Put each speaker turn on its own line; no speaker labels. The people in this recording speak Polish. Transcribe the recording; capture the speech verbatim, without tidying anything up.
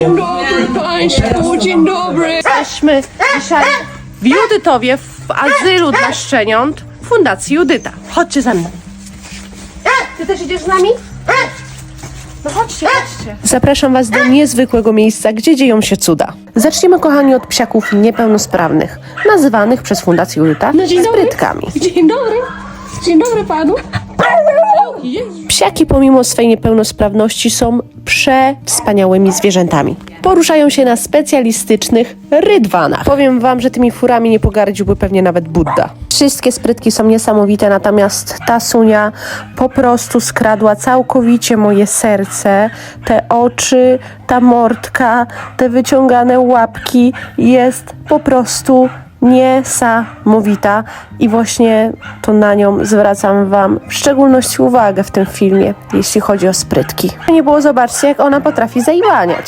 Dzień dobry Państwu, dzień dobry.
Jesteśmy dzisiaj w Judytowie, w azylu dla szczeniąt Fundacji Judyta. Chodźcie ze mną. Ty też idziesz z nami? No chodźcie, chodźcie. Zapraszam Was do niezwykłego miejsca, gdzie dzieją się cuda. Zaczniemy, kochani, od psiaków niepełnosprawnych, nazywanych przez Fundację Judyta
No, dzień dobry.
sprytkami.
Dzień dobry. Dzień dobry Panu.
Psiaki pomimo swej niepełnosprawności są przewspaniałymi zwierzętami. Poruszają się na specjalistycznych rydwanach. Powiem wam, że tymi furami nie pogardziłby pewnie nawet Budda. Wszystkie sprytki są niesamowite, natomiast ta Sunia po prostu skradła całkowicie moje serce. Te oczy, ta mordka, te wyciągane łapki jest po prostu niesamowita i właśnie to na nią zwracam wam w szczególności uwagę w tym filmie, jeśli chodzi o sprytki. Nie było, zobaczcie, jak ona potrafi zaiwaniać.